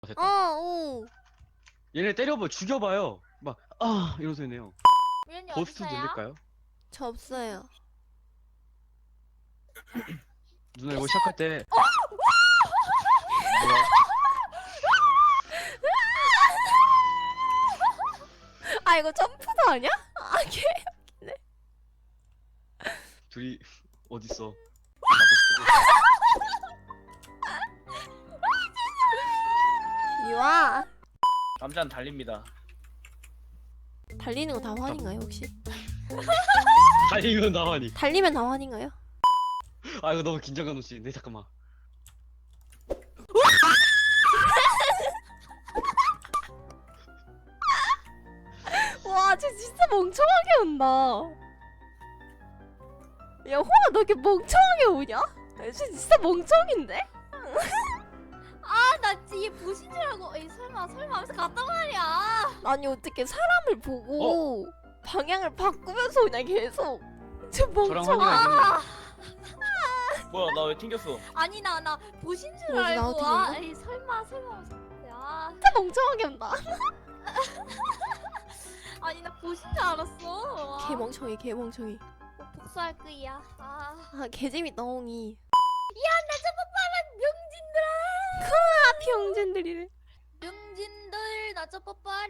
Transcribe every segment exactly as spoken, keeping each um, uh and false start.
됐다. 어, 오. 얘네 때려봐, 죽여봐요. 막, 아, 이러면서 해네요. 우연히 고스트 어디서요? 누를까요? 저 없어요. 누나 이거 시작할 때. 뭐야? 아, 이거 점프도 아니야? 아, 개. 둘이 어딨어? 이와. 남자는 달립니다. 달리는 거 다 환인가요, 혹시? 달리면 나와니. 달리면 다 환인가요? 아, 이거 너무 긴장감 없이. 네, 잠깐만. 와, 쟤 진짜 멍청하게 온다. 야, 호아, 너 이렇게 멍청하게 오냐? 쟤 진짜 멍청인데? 아, 나 진짜 얘 보신 줄 알고 에이 설마 설마 하면서 갔단 말이야. 아니, 어떻게 사람을 보고 방향을 바꾸면서 그냥 계속. 쟤 저랑 멍청아. 환희가 뭐야 나 왜 튕겼어? 아니 나 나 보신 줄 뭐지, 나 알고 어떻게 아 했나? 에이 설마 설마 하면서 야 진짜 멍청하게 온다. 아니 나 보신 줄 알았어. 아, 개 멍청이, 개 멍청이. 복수할 거야. 아, 아, 개재밌다, 홍이. 야나 저거 봐라 명진들아. 아, 병진들이래. 명진들 나 저거 봐라.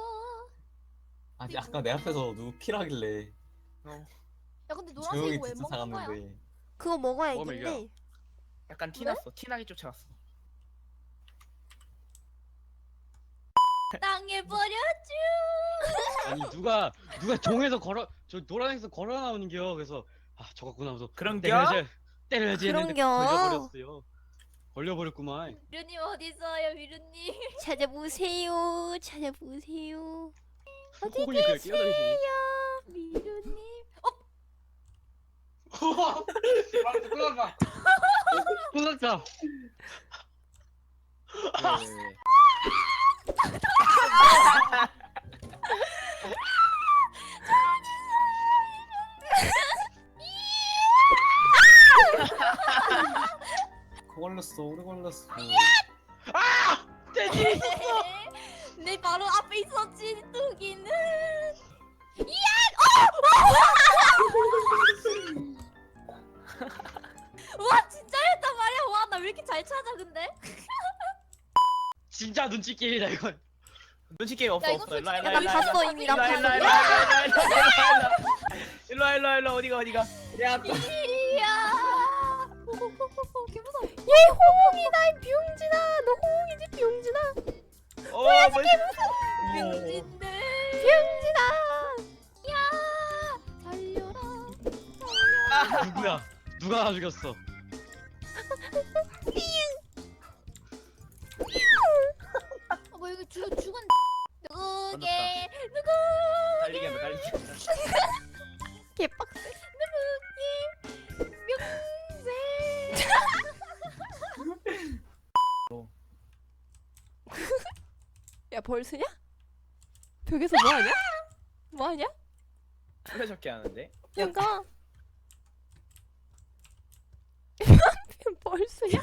아니 아까 내 앞에서 누구 킬하길래 야 근데 조용히 노란색 왜 뒤쳐 먹는 거야? 나갔는데 그거 먹어야 먹으면 이긴데. 약간 티났어. 티나게 쫓아갔어. 땅에 버려줘. 아니, 누가, 누가 종에서 걸어, 저 노란색에서 걸어 나오는겨. 그래서, 아, 저거구나 하면서. 그런겨? 때려야지, 때려야지 했는데 그런겨? 걸려버렸어요. 걸려버렸구만. 미루님 어디 있어요, 미루님? 찾아보세요, 찾아보세요. 어디 호군이 그냥 끼어다니시네. 계세요? 미루님. 끝났다. 끝났다. 왜, 왜, 왜. 걸렸어 오래 걸렸어. 아! 떼지! 내 바로 앞에 있었지 뚜기는. 와 진짜였단 말이야. 와 나 왜 이렇게 잘 찾아 근데? 진짜 눈치 게임이다, 이건. 눈치 게임 없어 야, 이거 없어. 일로 와 일로 솔직히 와 나 일로 와 봤어, 이미 나 일로 와 일로 와 봤어. 일로 와 일로 와 일로 와 일로 와 일로 와 어디가 어디가. 야 이야. 호호호호 개 무서워. 얘 호홍이다, 이 병진아. 너 호홍이지, 병진아. 어 뭐야? 명진들. 병진아. 야 달려라. 달려라. 누구야? 누가 나 죽였어? 어, 뭐 이거 죽 죽은 누구게 건넜다. 누구 달리기 한다 달리기 한다. 개빡세. 누구게 명세. 야, 벌쓰냐? 벽에서 뭐하냐? 뭐하냐? 술래잡기 하는데? 뭔가 벌쓰냐?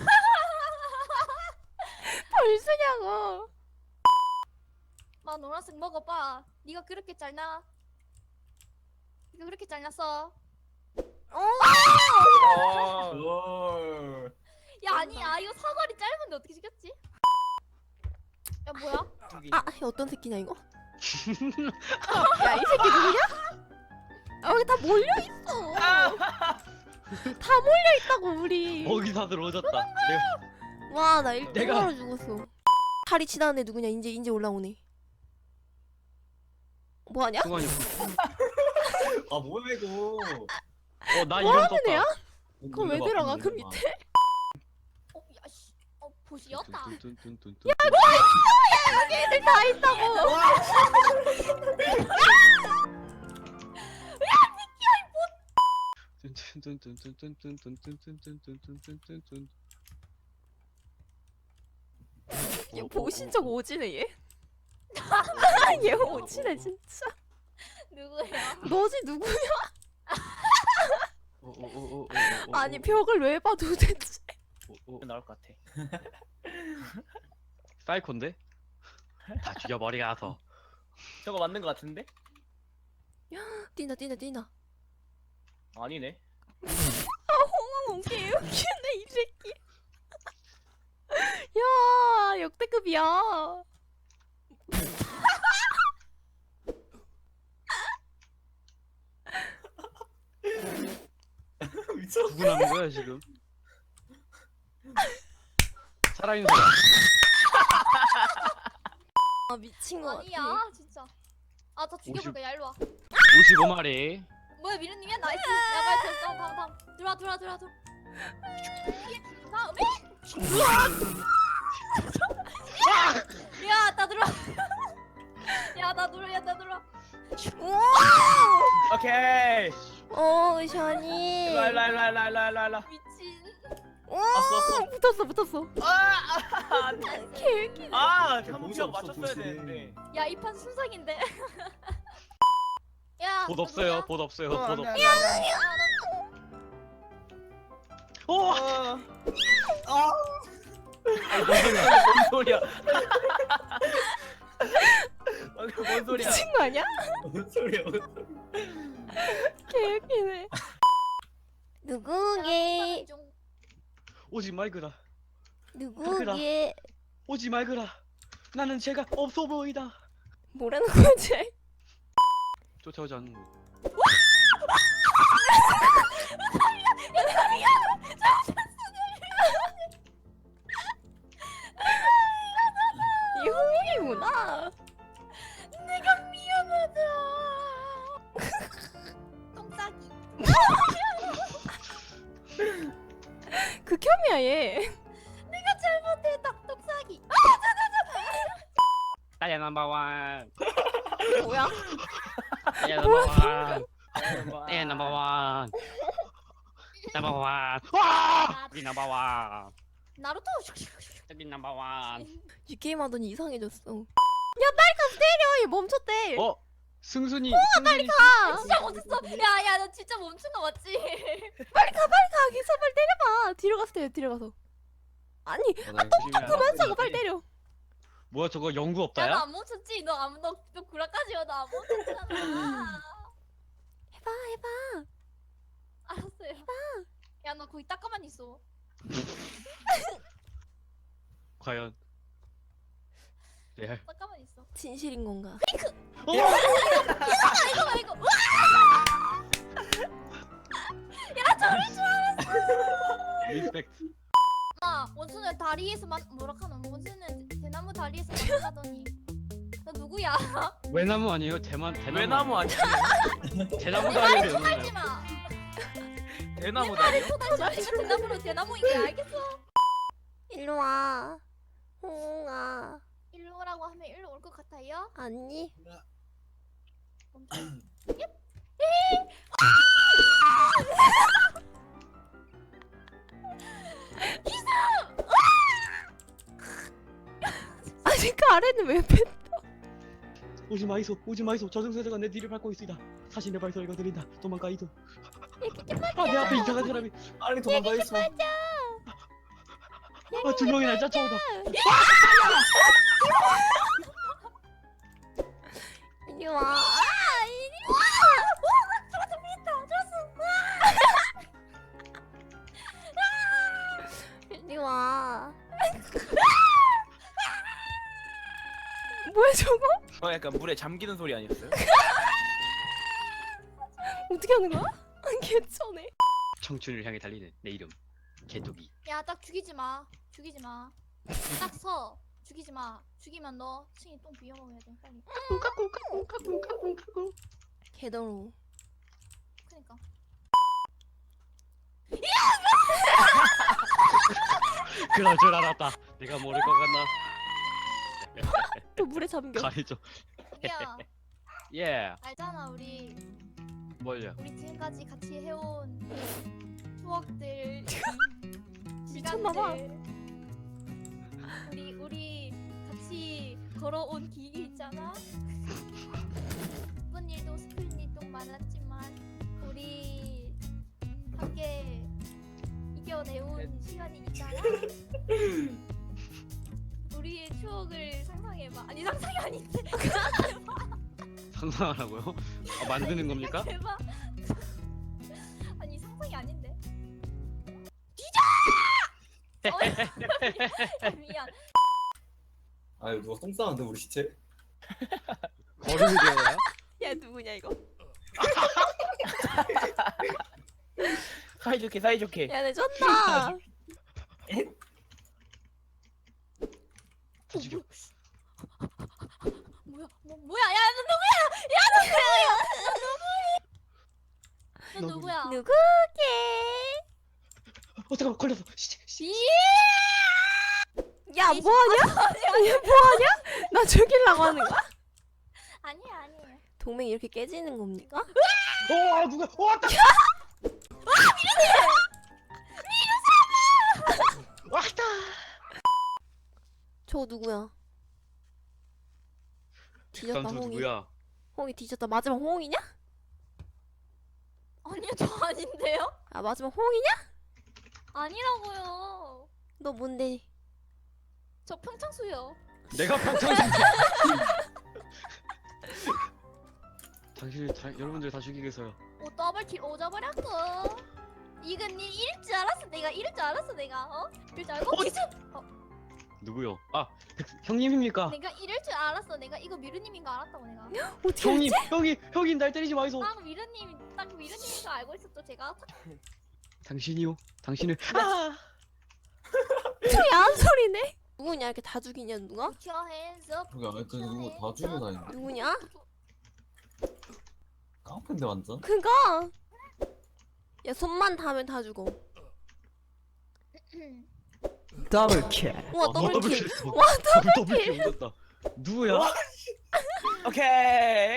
벌쓰냐고. 마 노란색 먹어봐. 네가 그렇게 잘나? 네가 그렇게 잘났어? 어. 어. 뭘 야 아니야 이거 사거리 짧은데 어떻게 시켰지? 야 뭐야? 저기. 아, 어떤 새끼냐 이거? 야, 이 새끼 누구냐? 아, 여기 다 몰려 있어. 다 몰려 있다고 우리. 먹이 다들 오졌다. 내가 와, 나 일 내가- 등으로 죽었어. 다리 지나는 애 누구냐? 이제 이제 올라오네. 뭐 하냐? 승관이. 아 뭐야 이거. 어, 나 뭐 이름 하는 떴다. 애야? 그걸 왜 들어가 그 밑에? 어 야씨 어 보시였다. 야, 여기 애들 다 있다고. 얘 보신 적 오지네 얘. 얘 오지네 진짜. 누구야? 너지 누구냐? 어, 어, 어, 어, 어, 어, 아니 어, 벽을 왜 봐 도대체? 어, 어. 나올 것 같아. 사이콘데? 다 죽여버리가서. 저거 맞는 거 같은데? 뛴다 뛴다 뛴다. 아니네. 홍홍 개 웃기네 이 새끼. 야 역대급이야. 미쳤어. 누구 남은 거야 지금? 살아있는 사람. 아 미친 거 같아. 아니야 진짜. 아 저 죽여볼까? 야 일로 와. 오십오 마리. 뭐야 미르님이야? 나이스. 야 빨리 다음 다음 다음. 들어와 들어와 들어와 들어와. 다음에. 야나 들어와. 야나 들어와 야나 들어와. 우와. 오케이. 어 샤니. 일로 일로 일로 일로 일로 일로 일로. 미친. 와 왔어, 붙었어 붙었어. 아, 아, 안 돼. 개웃기네. 아, 봉쇄 한번 없어, 맞췄어야 봉쇄. 되는데. 야 이 판 순삭인데. 야. 봇 너 없어요. 누구야? 봇 없어요. 어, 봇 안 돼, 없어요. 안 돼, 안 돼. 야, 너 오! 어. 아, 뭔 소리야? 방금 뭔 소리야? 미친 거 아니야? 뭔 소리야? 뭔 소리야? 개웃기네. 누구게? 중. 오지 말거라. 누구게? 오지 말거라. 나는 제가 없어 보이다. 뭐라는 거지? 쫓아오지 않는 거. 이 홍이구나. 내가 미안하다. 똥싸기. 극혐이야 얘. 내가 잘못했다. 똥싸기. 나야 넘버원. 뭐야? 나야 넘버원. 나야 넘버원. 넘버원. 와! 우리 넘버원. 나루토. 여기 넘버원. 이 게임 하더니 이상해졌어. 야 빨리 가서 때려. 얘 멈췄대. 어? 승순이. 승순이. 가. 진짜 못했어. 야야 나 진짜 멈춘 거 맞지? 빨리 가 빨리 가. 기사 빨리 때려봐. 뒤로 가서 때려. 뒤로 가서. 아니 조심해야 그만 돼. 싸고 빨리 때려. 뭐야 저거 연구 야 너 없다야? 안 멈췄지? 너 아무 너, 너 구라까지야 너 안 멈췄잖아. 해봐 해봐. 알았어요. 야 너 거기 딱 가만히 있어. 과연. 네. 딱 가만히 있어. 진실인 건가? 어! 이거 이거. 야 저럴 줄 알았어. 리스펙트. 아 원수는 다리에서 만 뭐라 카노? 원수는 대나무 다리에서 만나더니. 너 누구야? 외나무 아니에요? 대만 대나무. 외나무 아니야? 대나무 내 말에 다리를 쳐달지 마. 대나무 내 말에 다리요? 쳐달지 마. 이거 대나무로 대나무인 게 알겠어? 일로 와. 홍아. 일로 오라고 하면 일로 올 것 같아요? 아니. 멈춰. 아니 그 아래는 왜 뺐? 오지 마이소. 오지 마이소. 저승사자가 내 뒤를 밟고 있으이다. 사신의 발소리가 들린다. 도망가 이소. 아 내 앞에 이상한 사람이. 빨리 도망가 있어. 아 두 명이나 쫓아오다. 이리 와. 아 이리 와. 저거 미쳤다. 저거. 이리 와. 뭐야 저거? 어, 약간 물에 잠기는 소리 아니었어요? 어떻게 하는 거야? 개쩌네. 청춘을 향해 달리는 내 이름 개토기. 야 딱 죽이지 마. 죽이지 마. 딱 서. 죽이지 마. 죽이면 너 층이 똥 비워 먹어야 돼. 빨리. 개더러. 그니까. 그럴 줄 알았다. 내가 모를 것 같나? 또 물에 잠겨. 가리죠. 야 예. 알잖아 우리 뭘요? 우리 지금까지 같이 해온 추억들. 미쳤나봐. 시간들. 우리 우리 같이 걸어온 길 있잖아. 기쁜 일도 슬픈 일도 많았지만 우리 함께 이겨내온 시간이 있잖아. 우리 우리의 추억을 상상해봐. 아니 상상이 아닌데. 상상하라고요? 아, 만드는 겁니까? 대박. 아니 상상이 아닌데. 뒤져! 어, 미안. 아 이거 누가 똥 싸는데 우리 시체? 거름이 되어야? 야 누구냐 이거? 사이좋게 사이좋게. 야 내 졌다. 다 죽여. 뭐야? 뭐 뭐야? 야 너 누구야? 야 너 누구야? 너 너구리. 누구야? 누구게? 어 잠깐만 걸렸어. 씨, 씨. 이 야 뭐하냐? 얘 뭐하냐? 나 죽이려고 하는 거야? 아니야 아니야. 동맹이 이렇게 깨지는 겁니까? 어 누가? 어 왔다. 왔다. 저 누구야? 뒤졌다 깜짝 홍이. 누구야? 홍이 뒤졌다. 마지막 홍이냐? 아니요 저 아닌데요? 아 마지막 홍이냐? 아니라고요. 너 뭔데? 저 평창수요. 내가 평창인데. 당신을 다, 여러분들 다 죽이겠어요. 오 더블킬 오져버렸고. 이건 니 이럴 줄 알았어 내가 이럴 줄 알았어 내가 어? 이럴 줄 알고 어? 기습! 누구요? 아 백- 형님입니까? 내가 이럴 줄 알았어 내가 이거 미르님인 거 알았다고 내가 어떻게 형님, 형이 형이 날 때리지 마이소. 딱 미르님 딱 미르님인 거 알고 있었죠 제가 당신이요? 당신을 아! 저 야한 소리네? 누구냐 이렇게 다 죽이냐 누가? Put your hands up. 그게 아무튼 누구 다 죽여다니는데 누구냐? 깡패인데 완전? 그거! 야 손만 닿으면 다 죽어. 더블킬. 우와 어, 더블킬. 와 더블킬. 더블킬 옮겼다. 누구야? 오케이.